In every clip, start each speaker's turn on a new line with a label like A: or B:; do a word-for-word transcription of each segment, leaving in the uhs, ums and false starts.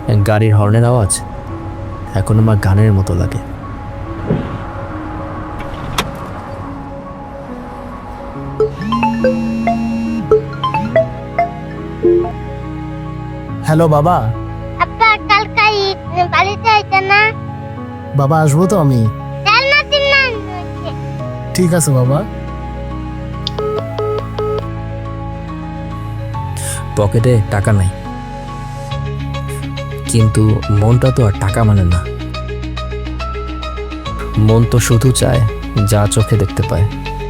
A: গাড়ির হর্নের আওয়াজ এখন আমার গানের মতো লাগে।
B: হ্যালো বাবা।
C: আব্বা কালকে ঈদ, বাড়িতে আইতা না?
B: বাবা আসবো তো আমি।
C: চার না তিন না হচ্ছে।
B: ঠিক আছে বাবা।
A: পকেটে টাকা নাই, কিন্তু মনটা তো আর টাকা মানে না। মন তো শুধু চায় যা চোখে দেখতে পায়।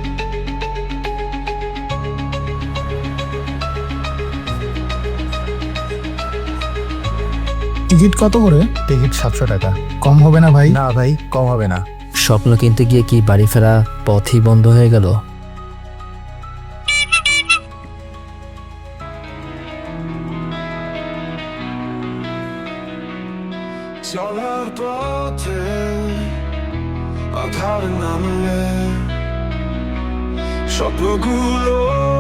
B: টিকিট কত করে?
D: টিকিট সাতশো টাকা।
B: কম হবে না ভাই?
D: না ভাই, কম হবে না।
A: স্বপ্ন কিনতে গিয়ে কি বাড়ি ফেরা পথই বন্ধ হয়ে গেল?
E: চলার পথে আধার নামলে স্বপ্নগুলো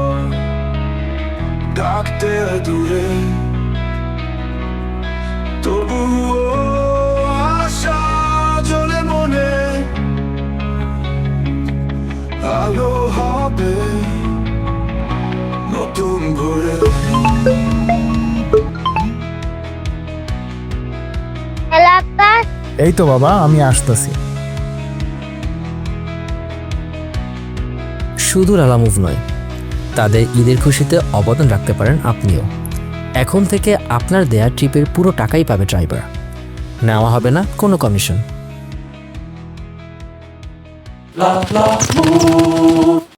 E: ডাকতে দূরে, তবুও আশা জ্বলে মনে, আলো হবে নতুন ভোরে।
C: হ্যালো আব্বা।
B: এই তো বাবা আমি আসতেছি।
A: শুধু লালা মুভ নয়, তাদের ঈদের খুশিতে অবদান রাখতে পারেন আপনিও। এখন থেকে আপনার দেয়া ট্রিপের পুরো টাকাই পাবে ড্রাইভার, নেওয়া হবে না কোনো কমিশন।